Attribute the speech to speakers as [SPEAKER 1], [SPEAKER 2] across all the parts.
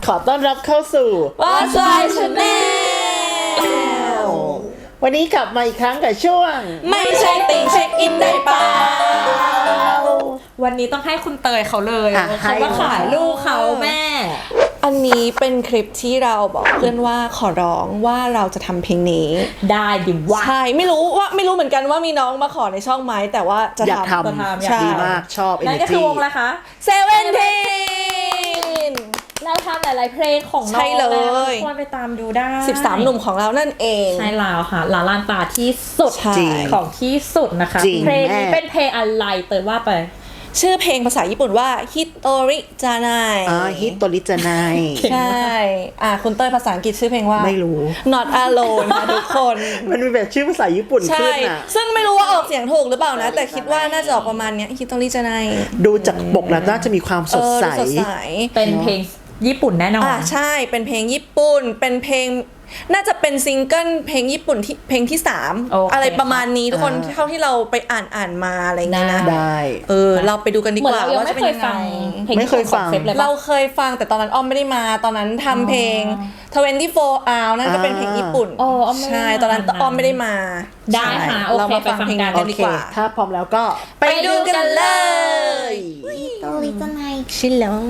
[SPEAKER 1] ขอต้อนรับเข้าสู่
[SPEAKER 2] What's My Channel
[SPEAKER 1] วันนี้กลับมาอีกครั้งกับช่วง
[SPEAKER 2] ไม่ใช่ติ่งเช็คอินได้เปล่าวันนี้ต้องให้คุณเตยเขาเลยเขามาขายลูกเขาแม่
[SPEAKER 3] อันนี้เป็นคลิปที่เราบอกเพื่อนว่าขอร้องว่าเราจะทำเพลงนี้
[SPEAKER 2] ได้ดิวะ
[SPEAKER 3] ใช่ไม่รู้เหมือนกันว่ามีน้องมาขอในช่องไหมแต่ว่าจะ
[SPEAKER 1] อยากทำดีมากชอบ
[SPEAKER 2] นั่นก็คือวงอะไรคะ
[SPEAKER 3] Seventeen
[SPEAKER 2] เราทำหลายๆเพลงของน้องแล้วควรไปตามดูได้
[SPEAKER 3] 13 หนุ่มของเรานั่นเอง
[SPEAKER 2] ใช่แล้วค่ะลาลานตาที่สุดของที่สุดนะคะเพลงนี้เป็นเพลงอะไรเตยว่าไป
[SPEAKER 3] ชื่อเพลงภาษาญี่ปุ่นว่า Hitori Janai
[SPEAKER 1] Hitori Janai
[SPEAKER 3] ใช่คุณเต้ยภาษาอังกฤษชื่อเพลงว่า
[SPEAKER 1] ไม่รู้
[SPEAKER 3] Not Alone นะทุกคน
[SPEAKER 1] มันมีแบบชื่อภาษาญี่ปุ่นขึ้นอ่ะ
[SPEAKER 3] ซึ่งไม่รู้ว่าออกเสียงถูกหรือเปล่านะแต่คิดว่าน่าจะออกประมาณเนี้ย Hitori Janai
[SPEAKER 1] ดูจากปกแล้วน่าจะมีความสดใส
[SPEAKER 2] เป็นเพลงญี่ปุ่นแน่นอน
[SPEAKER 3] ใช่เป็นเพลงญี่ปุ่นเป็นเพลงน่าจะเป็นซิงเกิลเพลงญี่ปุ่นที่เพลงที่3อะไรประมาณนี้ทุกคนเท่าที่เราไปอ่านมาอะไรเงี้ยนะ
[SPEAKER 1] ได้
[SPEAKER 3] เราไปดูกันดีกว่าว่าจะเป็นยังไง
[SPEAKER 1] ไม่เคยฟัง
[SPEAKER 3] เราเคยฟังแต่ตอนนั้นอ้อมไม่ได้มาตอนนั้นทำเพลง24 hours นั่นก็เป็นเพลงญี่ปุ่นใช่ตอนนั้นอ้อมไม่ได้มา
[SPEAKER 2] ได้ค่ะเรามาฟังเพลงกันดีกว่า
[SPEAKER 1] ถ้าพร้อมแล้วก็
[SPEAKER 3] ไปดูกันเลย
[SPEAKER 4] โตริจันไน
[SPEAKER 3] ชิลลง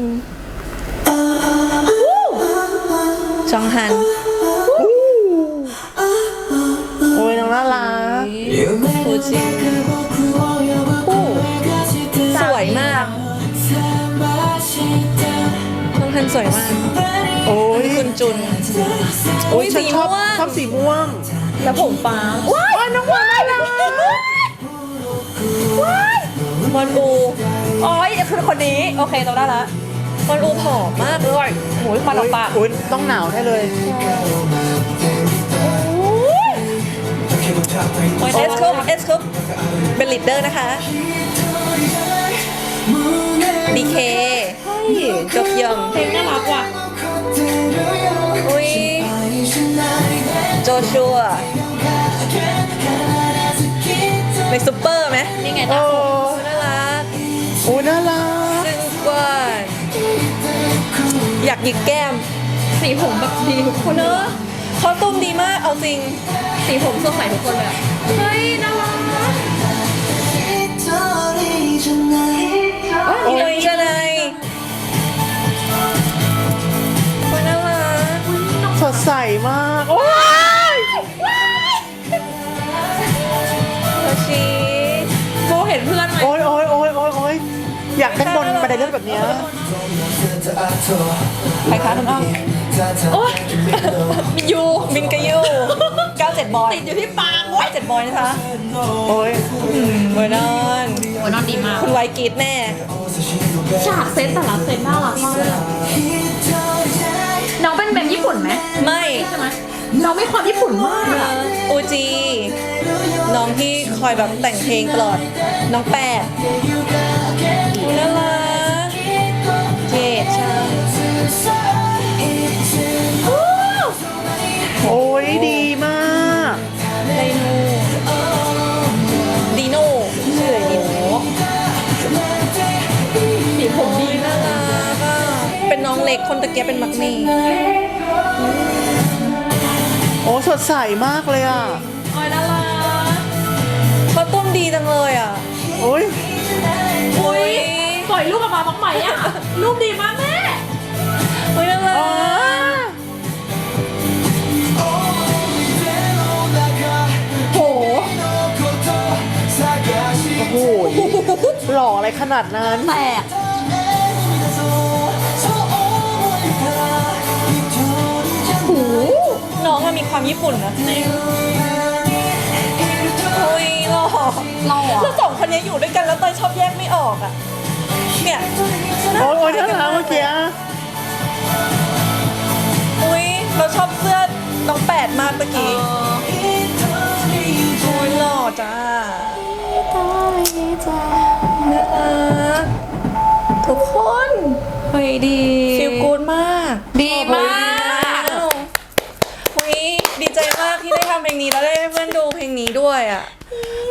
[SPEAKER 3] จองฮัน
[SPEAKER 1] โอ้ยน้องน่ารัก
[SPEAKER 3] ฟูจิสวยมากจองฮันสวยมาก
[SPEAKER 1] โอ้ย
[SPEAKER 3] คุณจุน
[SPEAKER 1] โอ้ยฉันชอบสีม่วง
[SPEAKER 2] แล้วผมฟ้า
[SPEAKER 1] ว้ายน้องวายนะ
[SPEAKER 3] มอนอู
[SPEAKER 2] อ๋อคือคนนี้โอเคเราได้ละ
[SPEAKER 3] มอนอูผอมมากเลย
[SPEAKER 2] โอ้ยควันออกปาก
[SPEAKER 1] ต้องหนาวแน่เลย
[SPEAKER 3] เอสคุปเป็นลีดเดอร์นะคะดีเคจบยอง
[SPEAKER 2] เพลงน่ารักว่ะ
[SPEAKER 3] อุ้ยโจชัวในซุปเปอร์ไหม
[SPEAKER 2] นี่ไง
[SPEAKER 3] น่ารัก
[SPEAKER 1] โอ้น่ารัก
[SPEAKER 3] ซึ่งกว่าอยากหยิกแก้ม
[SPEAKER 2] สีผมแบบดีทุกคน
[SPEAKER 3] เนอะเขาตุ้มดีมากเอาจริง
[SPEAKER 2] สีผมสดใสทุกคนเลยเฮ้ยน่ารัก
[SPEAKER 3] โอ้ยจะไหนคนน่ารัก
[SPEAKER 1] สดใสมากโอ้ย
[SPEAKER 3] โยชิ
[SPEAKER 2] โบเห็นเพื่อนไหม
[SPEAKER 1] โอ้ยอยากขึ้นบนบันไดเลื่อนแบบนี้
[SPEAKER 3] ใครคะคุณอ้อมโอ้ยยูบินกับยู97บอย
[SPEAKER 2] ติดอยู่ที่ปาก
[SPEAKER 3] 97บอยนะคะ
[SPEAKER 1] โอ้ย
[SPEAKER 3] เวอร์นอน
[SPEAKER 2] ดีมาก
[SPEAKER 3] คุณไวกีดแน่
[SPEAKER 2] ฉากเซตแต่ละเซตน่ารักมากเลยน้องเป็นแบบญี่ปุ่นไหม
[SPEAKER 3] ไม่
[SPEAKER 2] ใช่ไหมน้องไม่ความญี่ปุ่นมาก
[SPEAKER 3] อูจีน้องที่คอยแบบแต่งเพลงตลอดน้องแปดน่ารักเจดใช่
[SPEAKER 1] โอ้ยดีมาก
[SPEAKER 3] ดีโน่ชื่ออะไรดีโน่
[SPEAKER 2] สีผมดี
[SPEAKER 3] น่ารักเป็นน้องเล็กคนตะเกียบเป็นมักมี่
[SPEAKER 1] โอ้สดใสมากเลยอ่ะ
[SPEAKER 2] โอ้ยน่ารัก
[SPEAKER 3] เขาตุ้มดีจังเลยอ่ะ
[SPEAKER 1] โอ้ย
[SPEAKER 2] ปล่อยลูกออกมาบ้างไหมอ่ะลูกดีมากแม่
[SPEAKER 3] โอ้ยน่ารัก
[SPEAKER 2] โห
[SPEAKER 1] หล่ออะไรขนาดนั้น
[SPEAKER 2] แตก
[SPEAKER 3] น้องมีความญี่ปุ่นนะโอ้ยหล่อแล้วสองคนนี้อยู่ด้วยกันแล้วเตยชอบแยกไม่ออกอ่ะเนี่ย
[SPEAKER 1] โอ้ยน่ารักเมื่อกี้
[SPEAKER 3] อุ้ยเราชอบเสื้อน้องแปดมากเมื่อกี้โอ้ยหล่อจ้าน่ารักทุกคนเฮ้ยดีฟีลกู๊ดมาก
[SPEAKER 2] ดีมาก
[SPEAKER 3] ดีใจมากที่ได้ทำเพลงนี้แล้วได้เพื่อนดูเพลงนี้ด้วยอ่ะ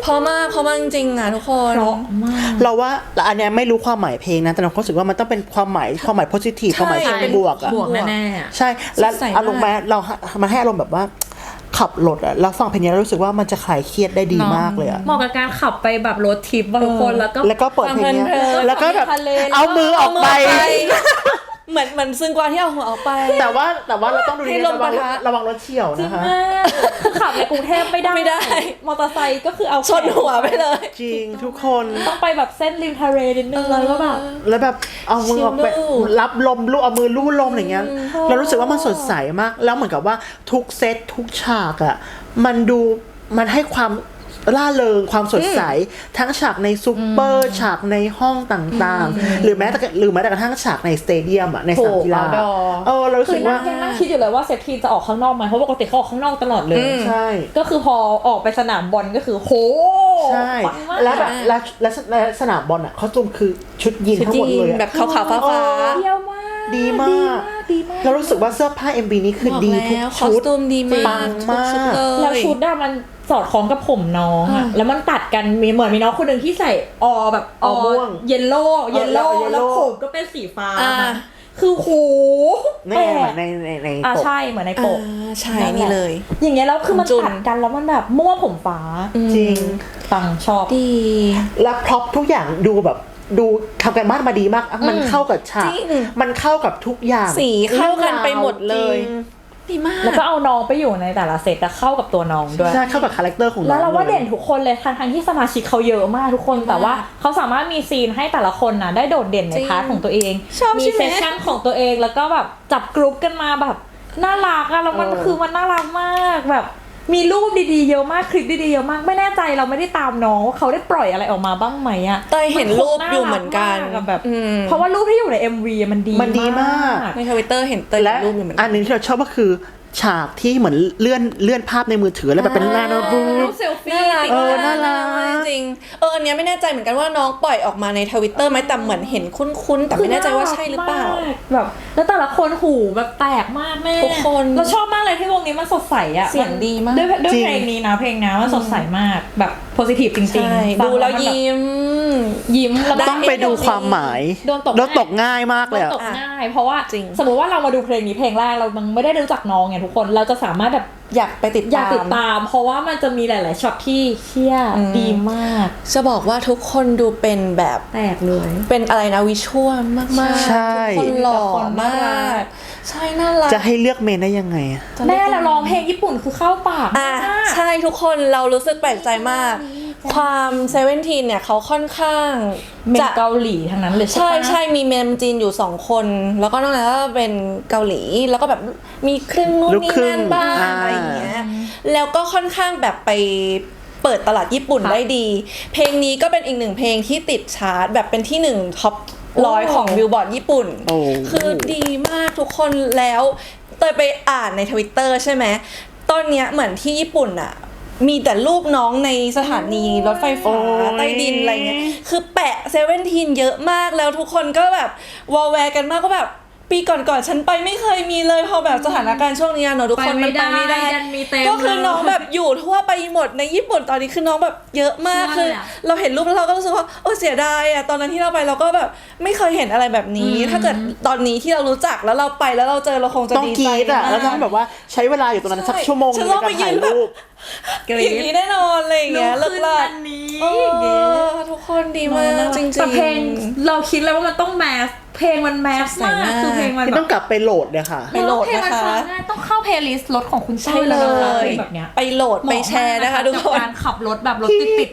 [SPEAKER 3] พอมากจริงๆอ่ะทุกคน
[SPEAKER 2] เพราะมาก
[SPEAKER 1] เราว่าอันเนี้ยไม่รู้ความหมายเพลงนะแต่เรารู้สึกว่ามันต้องเป็นความหมายpositive ความหมายเชิงบวกอะ
[SPEAKER 2] บวกแน่ๆอะ
[SPEAKER 1] ใช่แล้ว
[SPEAKER 3] สดใสมาก
[SPEAKER 1] อารมณ์มันให้อารมณ์แบบว่าขับรถอะแล้วฟังเพลงนี้แล้วรู้สึกว่ามันจะคลายเครียดได้ดีมากเลยอะ
[SPEAKER 2] เหมาะกับการขับไปแบบรถทริปบางคนแล้วก็
[SPEAKER 1] เปิดเพลงเนี้ย
[SPEAKER 3] ฟังเพลินๆ
[SPEAKER 1] แล้วก็แบบ
[SPEAKER 2] ทะเล
[SPEAKER 1] เอามือออกไป
[SPEAKER 3] เหมือนซึ่งกว่าที่เอาหัวออกไป
[SPEAKER 1] แต่ว่าเราต้องดู
[SPEAKER 3] ให้
[SPEAKER 1] ดี
[SPEAKER 3] ล
[SPEAKER 1] ๆ
[SPEAKER 3] มปะทะ
[SPEAKER 1] ระวังรถเฉี่ยวนะคะ
[SPEAKER 2] คือขับในกรุงเทพไม่ได้
[SPEAKER 3] ไม่ได้
[SPEAKER 2] มอเตอร์ไซค์ก็คือเอา
[SPEAKER 3] ชนหัวไปเลย
[SPEAKER 1] จริงทุกคน
[SPEAKER 2] ต้องไปแบบเส้นริมทะเลนิดนึงเลยก็แบบ
[SPEAKER 1] แล้วแบบเอามือออกไป
[SPEAKER 3] ชิลลูก
[SPEAKER 1] รับลมลูกเอามือลู่ลมอะไรเงี้ยเรารู้สึกว่ามันสดใสมาก แล้วเหมือนกับว่าทุกเซตทุกฉากอะมันให้ความล่าเริงความสดใสทั้งฉากในซูเปอร์ฉากในห้องต่างๆหรือแม้แต่กระทั่งฉากในสเตเดียมอะในสนามกีฬา เรารู้
[SPEAKER 2] คื
[SPEAKER 1] สึ
[SPEAKER 2] อก
[SPEAKER 1] ว่า
[SPEAKER 2] นั่งคิดอยู่เลยว่าเซฟทีจะออกข้างนอกไหมเพราะปกติเขาออกข้างนอกตลอดเลย
[SPEAKER 1] ใช่
[SPEAKER 2] ก็คือพอออกไปสนามบอลก็คือโห
[SPEAKER 1] ใช่
[SPEAKER 2] ปังมาก
[SPEAKER 1] แล้วแบบและสนามบอลอ่ะเขาจุมคือชุดยีนทั้งหมดเลยอะ
[SPEAKER 3] แบบขาวๆฟ้า
[SPEAKER 2] เยี่ยมมาก
[SPEAKER 1] ดีมาก
[SPEAKER 2] ดีมาก
[SPEAKER 1] เรารู้สึกว่าเสื้อผ้า MV นี้คือ
[SPEAKER 3] บอก
[SPEAKER 1] ดีทุก
[SPEAKER 3] แล้วคอ
[SPEAKER 1] ชุ
[SPEAKER 3] ส
[SPEAKER 1] ด
[SPEAKER 3] ตูมดีมาก
[SPEAKER 1] ปังมาก
[SPEAKER 3] ทุชุดเลย
[SPEAKER 2] แล้วชุดอะมันสอดคล้องกับผมน้องอะแล้วมันตัดกันเหมือนมีน้องคนหนึ่งที่ใส่แบบ
[SPEAKER 1] ม่วง
[SPEAKER 2] เยลโล่
[SPEAKER 1] แล้ว
[SPEAKER 2] แล้วผมก็เป็นสีฟ้า
[SPEAKER 3] อ่า
[SPEAKER 2] คือโห
[SPEAKER 1] ใน
[SPEAKER 2] แปลก
[SPEAKER 1] ใน
[SPEAKER 2] อ่า
[SPEAKER 1] ปก
[SPEAKER 2] ใช่เหมือนในปก
[SPEAKER 3] ใช่นี่เลย
[SPEAKER 2] อย่างเงี้ยแล้วคือมัน
[SPEAKER 3] จุน
[SPEAKER 2] ตัดกันแล้วมันแบบม่วงผมฟ้า
[SPEAKER 1] จริง
[SPEAKER 2] ปังชอบ
[SPEAKER 3] ดี
[SPEAKER 1] และพร็อพทุกอย่างดูทำกันบ้านมาดีมาก มันเข้ากับฉาก
[SPEAKER 3] จริง
[SPEAKER 1] มันเข้ากับทุกอย่าง
[SPEAKER 3] สีเข้ากันไปหมดเลย
[SPEAKER 1] จริง
[SPEAKER 3] ดีมาก
[SPEAKER 2] แล้วก็เอาน้องไปอยู่ในแต่ละเซตแต่เข้ากับตัวน้องด้วย
[SPEAKER 1] ใช่เข้ากับคาแรคเตอร์ของน้อง
[SPEAKER 2] แล้วเราว่า
[SPEAKER 1] ลย
[SPEAKER 2] เด่นทุกคนเลยทั้งที่สมาชิกเขาเยอะมากทุกคนแต่ว่าเขาสามารถมีซีนให้แต่ละคนนะได้โดดเด่นใน
[SPEAKER 3] จริง
[SPEAKER 2] พาร์ทของตัวเอง
[SPEAKER 3] ชอบ
[SPEAKER 2] มี
[SPEAKER 3] ใช่ไหม
[SPEAKER 2] เซสชั่นของตัวเองแล้วก็แบบจับกรุ๊ปกันมาแบบน่ารักอะแล้วมันคือมันน่ารักมากแบบมีรูปดีๆเยอะมากคลิปดีๆเยอะมากไม่แน่ใจเราไม่ได้ตามน้องว่าเขาได้ปล่อยอะไรออกมาบ้างไหมอะ
[SPEAKER 3] เต้ยเห็นรูปอยู่เหมือนกัน
[SPEAKER 2] แบบ
[SPEAKER 3] อืม
[SPEAKER 2] เพราะว่ารูปที่อยู่ใน MV มันดี
[SPEAKER 1] มันดีมาก
[SPEAKER 3] ในทวิตเตอร์เห็นเต้ย
[SPEAKER 1] และ
[SPEAKER 3] รูปอยู่เหมือน
[SPEAKER 1] อั
[SPEAKER 3] กัน น
[SPEAKER 1] หนึงที่เราชอบก็คือฉากที่เหมือนเลื่อนภาพในมือถือแล้วแบบเป็นหน้าโน้ตบุ๊
[SPEAKER 2] รู
[SPEAKER 1] ก
[SPEAKER 2] ปเซลฟี่
[SPEAKER 3] น่ารัก
[SPEAKER 1] น่ารัก
[SPEAKER 3] มากจริงอันเนี้ยไม่แน่ใจเหมือนกันว่าน้องปล่อยออกมาในทวิตเตอร์ไหมแต่เหมือนเห็นคุ้นๆแต่ไม่แน่ใจว่าใช่หรือเปล่า
[SPEAKER 2] แบบแล้วแต่ละคนหูแบบแตกมากแม่
[SPEAKER 3] ทุกคน
[SPEAKER 2] เราชอบมากเลยที่วงนี้มันสดใสอะ
[SPEAKER 3] เสียงดีมาก
[SPEAKER 2] ด้วย
[SPEAKER 1] จริง
[SPEAKER 2] เพลงนี้นะเพลงนะมันสดใสมากแบบโพสิทีฟจริง
[SPEAKER 3] ใช่
[SPEAKER 2] ๆ
[SPEAKER 3] ดูแล้ว
[SPEAKER 2] ฟังมันบบ
[SPEAKER 3] ยิ้ม
[SPEAKER 2] แล้ว
[SPEAKER 1] ต้องไปดูความหมาย
[SPEAKER 2] โดนตก
[SPEAKER 1] ตกง่ายมากเลย
[SPEAKER 2] โดน
[SPEAKER 1] อะ
[SPEAKER 2] ตกง่าย เพราะว่า
[SPEAKER 3] จริง
[SPEAKER 2] สมมติว่าเรามาดูเพลงนี้เพลงแรกเราไม่ได้รู้จักน้องไงทุกคนเราจะสามารถแบบ
[SPEAKER 3] อยากไปติด
[SPEAKER 2] อยาก
[SPEAKER 3] ตา
[SPEAKER 2] ติ
[SPEAKER 3] ม
[SPEAKER 2] ดตาม เพราะว่ามันจะมีหลาย ๆช็อตที่เชี่ยดีมาก
[SPEAKER 3] จะบอกว่าทุกคนดูเป็นแบบ
[SPEAKER 2] แตกเลย
[SPEAKER 3] เป็นอะไรนะวิชวลมากๆ
[SPEAKER 1] ใช่
[SPEAKER 3] ทุกคนหล่อมาก ใช่น่ารัก
[SPEAKER 1] จะให้เลือกเมนได้ยังไงอะ
[SPEAKER 2] แม่เราร้องเพลงญี่ปุ่นคือเข้าปาก
[SPEAKER 3] อ่ะ
[SPEAKER 2] มาก
[SPEAKER 3] ใช่ทุกคนเรารู้สึกแปลกใจมาก ความเซเว่นทีนเนี่ยเขาค่อนข้าง
[SPEAKER 2] เมน
[SPEAKER 3] จะ
[SPEAKER 2] เกาหลีทั้งนั้นเลย
[SPEAKER 3] ใช่
[SPEAKER 2] ปะ
[SPEAKER 3] ใช่มีเมนจีนอยู่2 คน แล้วก็นอกนั้นก็เป็นเกาหลีแล้วก็แบบมีครึ่งนู่น
[SPEAKER 1] ลูก
[SPEAKER 3] นี่
[SPEAKER 1] ครึ่ง
[SPEAKER 3] นั่นบ้าง
[SPEAKER 1] อ่า
[SPEAKER 3] อะไรอย่างเงี้ยแล้วก็ค่อนข้างแบบไปเปิดตลาดญี่ปุ่นได้ดี เพลงนี้ก็เป็นอีก1เพลงที่ติดชาร์ตแบบเป็นที่1ท็อป100ของบิลบอร์ดญี่ปุ่น
[SPEAKER 1] โอ้
[SPEAKER 3] คือดีมากทุกคนแล้วเตยไปอ่านในทวิตเตอร์ใช่ไหมตอนเนี้ยเหมือนที่ญี่ปุ่นอะมีแต่รูปน้องในสถานีรถไฟฟ้า
[SPEAKER 1] โอ้ย
[SPEAKER 3] ใต้ดินอะไรเงี้ยคือแปะเซเว่นทีนเยอะมากแล้วทุกคนก็แบบวอลแวร์กันมากก็แบบปีก่อนๆฉันไปไม่เคยมีเลยพอแบบสถานการณ์ช่วงนี้เนอะทุกคนมันไปไม่ได้
[SPEAKER 2] ดันมีเต็ม
[SPEAKER 3] ก็คือน้องแบบอยู่ทั่วไปหมดในญี่ปุ่นตอนนี้คือน้องแบบเยอะมาก
[SPEAKER 2] ใช่
[SPEAKER 3] คือ
[SPEAKER 2] อะ
[SPEAKER 3] เราเห็นรูปแล้วเราก็รู้สึกว่าโอ้เสียดายอะตอนนั้นที่เราไปเราก็แบบไม่เคยเห็นอะไรแบบนี้ ถ้าเกิดตอนนี้ที่เรารู้จักแล้วเราไปแล้วเราเจอเราคงจะ
[SPEAKER 1] ต้อง
[SPEAKER 3] ดี
[SPEAKER 1] ก
[SPEAKER 3] ใจ
[SPEAKER 1] รีดอะ
[SPEAKER 3] มาก
[SPEAKER 1] แล้วต้องแบบว่าใช้เวลาอยู่ตรงนั้นสักชั่วโมง
[SPEAKER 3] ฉัน
[SPEAKER 1] ใน
[SPEAKER 3] ต้อง
[SPEAKER 1] การ
[SPEAKER 3] ไปยื
[SPEAKER 1] ถ่าย
[SPEAKER 3] นแบบ
[SPEAKER 1] รูป
[SPEAKER 3] อย่างนี้แน่นอนอะไรอย่างเงี้ย
[SPEAKER 2] ลุ
[SPEAKER 3] เลิ
[SPEAKER 2] ก
[SPEAKER 3] ก
[SPEAKER 2] ขึ้น
[SPEAKER 3] ลา
[SPEAKER 2] อันนี้
[SPEAKER 3] ทุกคนดีมากจริงๆ
[SPEAKER 2] แต่เพลงเราคิดเลยว่ามันต้องแมสเพลงมันแมส
[SPEAKER 3] ใส่
[SPEAKER 2] มาก
[SPEAKER 3] มาก
[SPEAKER 2] คือเพลงมัน
[SPEAKER 1] ที่
[SPEAKER 2] แบ
[SPEAKER 1] ต้อบ งกลับไปโหลดเนี่ยค่ะ
[SPEAKER 3] ไปโหลด
[SPEAKER 2] เพลงมั
[SPEAKER 3] นะคะ
[SPEAKER 2] ฟังง่ายต้องเข้าเพลย์ลิสต์รถของคุณ
[SPEAKER 3] ใช่
[SPEAKER 2] เต้ย
[SPEAKER 3] เล
[SPEAKER 2] แล้วนะคะ
[SPEAKER 3] ย
[SPEAKER 2] เพลงแบบเนี้ย
[SPEAKER 3] ไปโหลดไปแชร์นะคะทุกคน
[SPEAKER 2] การขับรถแบบรถติด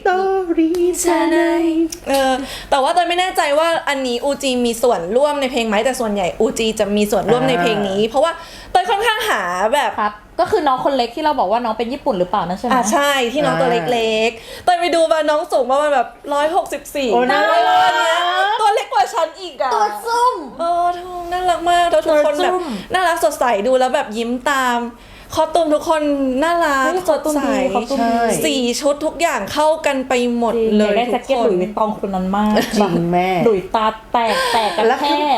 [SPEAKER 3] แต่ว่าเตยไม่แน่ใจว่าอันนี้อูจีมีส่วนร่วมในเพลงไหมแต่ส่วนใหญ่อูจีจะมีส่วนร่วมในเพลงนี้ เพราะว่าเตยค่อนข้างหาแบบ
[SPEAKER 2] ครับก็คือน้องคนเล็กที่เราบอกว่าน้องเป็นญี่ปุ่นหรือเปล่านั่นใช่ไหม
[SPEAKER 3] ใช่ที่น้องตัวเล็กๆเตยไปดูมาน้องสูงประมาณแบบ164
[SPEAKER 1] โอ้น่ารัก
[SPEAKER 3] ตัวเล็กกว่าฉันอีกอ่ะ
[SPEAKER 2] ตัวซุ่ม
[SPEAKER 3] ทุกน่ารักมากแล้วทุกคนแบบ
[SPEAKER 2] ตัวจุ้ม
[SPEAKER 3] น่ารักสดใสดูแล้วแบบยิ้มตามคอสตูมทุกคนน่ารัก
[SPEAKER 2] เฮ้ย
[SPEAKER 3] สดใส
[SPEAKER 2] คอสตูมดี
[SPEAKER 3] สีชุดทุกอย่างเข้ากันไปหมด
[SPEAKER 2] เล
[SPEAKER 3] เลย ย
[SPEAKER 2] ได้
[SPEAKER 3] ทุ
[SPEAKER 2] แจ็ค
[SPEAKER 3] ก
[SPEAKER 2] เก็ต
[SPEAKER 3] ค
[SPEAKER 2] ห
[SPEAKER 3] น
[SPEAKER 2] ลุยส์วิตตองคนนั้นมาก
[SPEAKER 1] จริงแม่
[SPEAKER 2] หลุยตาแตกกัน
[SPEAKER 1] แล้ว
[SPEAKER 2] แท
[SPEAKER 1] คือ
[SPEAKER 2] ก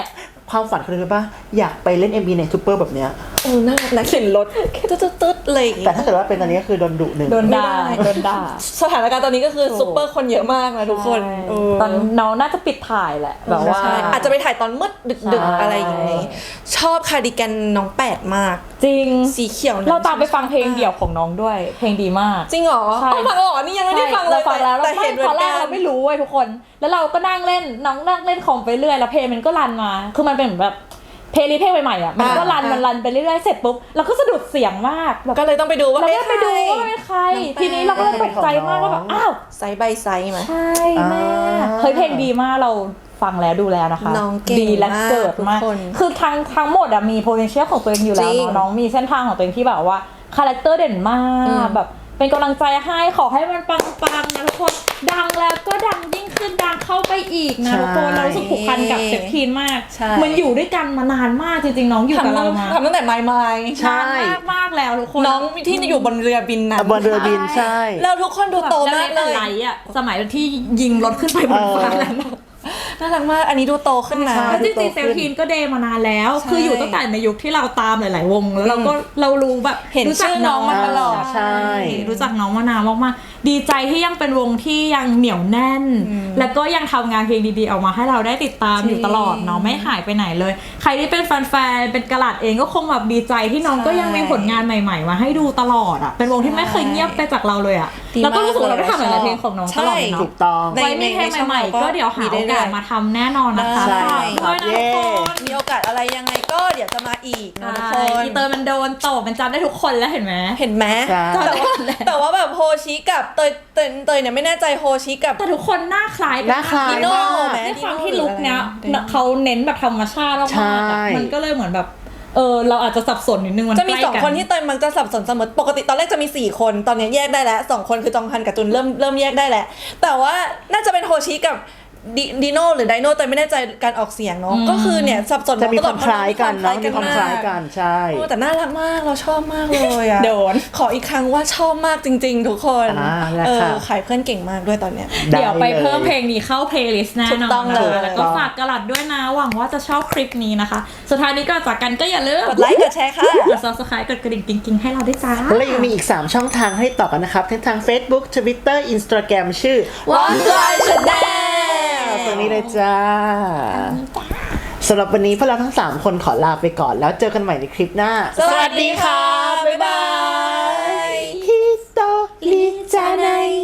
[SPEAKER 1] ความฝันคืออะไรป่ะอยากไปเล่น MV ในซูเปอร์แบบเนี้ย
[SPEAKER 3] น่ารักนะเข็นรถตึ๊ดๆอะไรอย่าง
[SPEAKER 1] แต่
[SPEAKER 3] งี้
[SPEAKER 1] ถ้าเกิดว่าเป็นตอนนี้ก็คือโดนดุหนึ่ง
[SPEAKER 2] โดนด่าโดนด่า
[SPEAKER 3] สถานการณ์ตอนนี้ก็คือซุปเปอร์คนเยอะมากนะทุกคน
[SPEAKER 2] ตอนน้องน่าจะปิดถ่ายแหละแบบว่า
[SPEAKER 3] ใช่อาจจะไปถ่ายตอนมืดดึก
[SPEAKER 2] ใช่
[SPEAKER 3] ๆอะไรอย่างงี้ชอบคาร์ดิแกนน้องแปดมาก
[SPEAKER 2] จริง
[SPEAKER 3] สีเขียวนั้น
[SPEAKER 2] เราตามไปฟังเพลงเดี่ยวของน้องด้วย เพลงดีมาก
[SPEAKER 3] จริงเหรอ
[SPEAKER 2] ใช่
[SPEAKER 3] ต้องฟังเหรอนี่ยังไม่ได้ฟังเลย
[SPEAKER 2] ราฟังแล้ว
[SPEAKER 3] แต่
[SPEAKER 2] เรา
[SPEAKER 3] เห็นเหมื
[SPEAKER 2] ต
[SPEAKER 3] อ
[SPEAKER 2] อน
[SPEAKER 3] น
[SPEAKER 2] แร
[SPEAKER 3] กั
[SPEAKER 2] ก
[SPEAKER 3] น
[SPEAKER 2] เราไม่รู้เว้ยทุกคน แล้วเราก็นั่งเล่นน้องนั่งเล่นคอมไปเรื่อยแล้วเพลงมันก็รันมา คือมันเป็นเหมือนแบบเพลย์ลิสต์เพลงใหม่ๆอ่ะมันก็รันมันรันไปเรื่อยๆเสร็จปุ๊บเราก็สะดุดเสียงมากแบบ
[SPEAKER 3] ก็เลยต้องไปดูว่า
[SPEAKER 2] เรา
[SPEAKER 3] เอ๊ะ
[SPEAKER 2] ก็ไปดูว่ามันเป็นใคร ทีนี้เราก็เลยตกใจมากว่าแบบอ้าว
[SPEAKER 3] ไซส์ใบไซส์ไหม
[SPEAKER 2] ใช่แม่เฮ้ยเพลงดีมากเราฟังแล้วดูแล้วนะคะ
[SPEAKER 3] น้องเก่ง
[SPEAKER 2] ดีและเกิดมาก
[SPEAKER 3] มากทุกคน
[SPEAKER 2] คือทั้งหมดอะมี potential ของตัวเองอยู่แล้ว
[SPEAKER 3] จริง
[SPEAKER 2] เนอะน้องมีเส้นทางของตัวเองที่แบบว่าคาแรคเตอร์เด่นมากแบบเป็นกำลังใจให้ขอให้มันปังๆนะทุกคนดังแล้วก็ดังยิ่งขึ้นดังเข้าไปอีกนะทุกคนเรารู้สึกผูกพันกับเซฟทีนมาก
[SPEAKER 3] ใช่
[SPEAKER 2] มันอยู่ด้วยกันมานานมากจริงๆน้องอยู่กับเรามา
[SPEAKER 3] ทำตั้งแต่ไมล์
[SPEAKER 1] ใช่
[SPEAKER 2] นานมากๆแล้วทุกคน
[SPEAKER 3] น้องที่อยู่บนเรือบินนั้น
[SPEAKER 1] บนเรือบินใช่
[SPEAKER 3] แล้วทุกคนดูโตมากเลย
[SPEAKER 2] แล้วในไหลอะสมัยที่ยิงรถขึ้นไปบนฟ้านั้น
[SPEAKER 3] น่ารักมาก อันนี้ดูโตขึ้นนะ
[SPEAKER 1] ใช่
[SPEAKER 2] แล้วจริงๆเซลทีนก็เดย์มานานแล้ว
[SPEAKER 3] ใช่
[SPEAKER 2] คืออยู่ตั้งแต่ในยุคที่เราตามหลายๆวงแล้วเรารู้แบบ
[SPEAKER 3] เห็น
[SPEAKER 2] รู้จัก
[SPEAKER 3] ชื่อน้องมาตลอด
[SPEAKER 1] ใช่
[SPEAKER 2] รู้จักน้องมานานมากๆดีใจที่ยังเป็นวงที่ยังเหนียวแน่น แล้วก็ยังทำงานเพลงดีๆออกมาให้เราได้ติดตามอยู่ตลอดเนาะไม่หายไปไหนเลย ใครที่เป็นแฟนๆเป็นกระหลัดเองก็คงแบบดีใจที่น้องก็ยังมีผลงานใหม่ๆมาให้ดูตลอดอ่ะเป็นวงที่ไม่เคยเงียบไปจากเราเลยอ่ะ
[SPEAKER 3] ดีมาก
[SPEAKER 2] แล้วก็รู้สึกว่าเราได้ทำหลายๆเพลงของน้องตลอดเลย
[SPEAKER 3] ใช่
[SPEAKER 2] เนาะ
[SPEAKER 1] ถูกต้อง
[SPEAKER 3] ใน
[SPEAKER 2] ไว้มีเพลงใหม่ๆก็เดี๋ยวหาโอกาสมาทำแน่นอนนะคะ
[SPEAKER 3] ใช่
[SPEAKER 2] ฝากด้วยนะทุกคน
[SPEAKER 3] มีโอกาสอะไรยังไงก็เดี๋ยวจะมาอีกนะทุกค
[SPEAKER 2] ใช่
[SPEAKER 3] น
[SPEAKER 2] อีเตอร์มันโดนตบมันจำได้ทุกคนแล้วเห็นไหม
[SPEAKER 3] เห็นไหม
[SPEAKER 1] ใช่
[SPEAKER 3] แต่ว่าแบบโฮชิกับเตยเนี่ยไม่แน่ใจโฮชิกับ
[SPEAKER 2] แต่ทุกคนหน้าคล้ายกั
[SPEAKER 1] หน้าคล้าย
[SPEAKER 2] ดิโน่
[SPEAKER 3] มาก
[SPEAKER 2] ด้วยความที่
[SPEAKER 3] ดิโน่
[SPEAKER 2] ลุคเนี้ย
[SPEAKER 3] หรืออะไร
[SPEAKER 2] เขาเน้นแบบธรรมชาติมาก
[SPEAKER 1] ใช่
[SPEAKER 2] ๆอะมันก็เลยเหมือนแบบเราอาจจะสับสนนิดนึงมัน
[SPEAKER 3] จะมี
[SPEAKER 2] ใกล้
[SPEAKER 3] สองคนที่เตยมักจะสับสนเสมอปกติตอนแรกจะมี4คนตอนนี้แยกได้แล้ว2คนคือจองฮันกับจุนเริ่มแยกได้แล้วแต่ว่าน่าจะเป็นโฮชิกับดิโน่หรือไดโน่เตยไม่แน่ใจการออกเสียงเนาะก็คือเนี่ยสับสน
[SPEAKER 1] จะมี
[SPEAKER 3] ต
[SPEAKER 1] ค
[SPEAKER 3] ลอ
[SPEAKER 1] วา
[SPEAKER 3] ด
[SPEAKER 1] มคล้ายกันเนาะมีความคล้ายกันใช่
[SPEAKER 3] โอ้แต่น่ารักมากเราชอบมากเลยอะ
[SPEAKER 2] โดน
[SPEAKER 3] ขออีกครั้งว่าชอบมากจริง ๆ ทุกคน
[SPEAKER 1] แล้วค่ะ
[SPEAKER 3] ขายเพื่อนเก่งมากด้วยตอนเนี้ย
[SPEAKER 2] เดี๋ยวไป
[SPEAKER 1] ด้ล
[SPEAKER 2] เพิ่มเพลงนี้เข้าเพลย์ลิสต์แน่
[SPEAKER 3] ถู
[SPEAKER 2] น
[SPEAKER 3] ก
[SPEAKER 2] อน
[SPEAKER 3] ต้องเลย
[SPEAKER 2] นะคะแล้วก็ฝากกระหลัดด้วยนะหวังว่าจะชอบคลิปนี้นะคะ สุดท้ายนี้ก่อนจากกันก็อย่าลืม
[SPEAKER 3] กดไลค์กดแชร์ค่ะ
[SPEAKER 2] กด subscribe กดกระดิ่งกิ๊งๆให้เราด้วยจ้า
[SPEAKER 1] และยังมีอีก 3 ช่องทางให้ต่อกันนะครับทั้งทาง Facebook Twitter Instagram ชื่อ
[SPEAKER 3] One Line Channel
[SPEAKER 1] ตรงนี้เลยจ้าสำหรับวันนี้พวกเราทั้ง 3 คนขอลาไปก่อนแล้วเจอกันใหม่ในคลิปหน้า
[SPEAKER 3] สวัสดีค่ะ บ๊ายบาย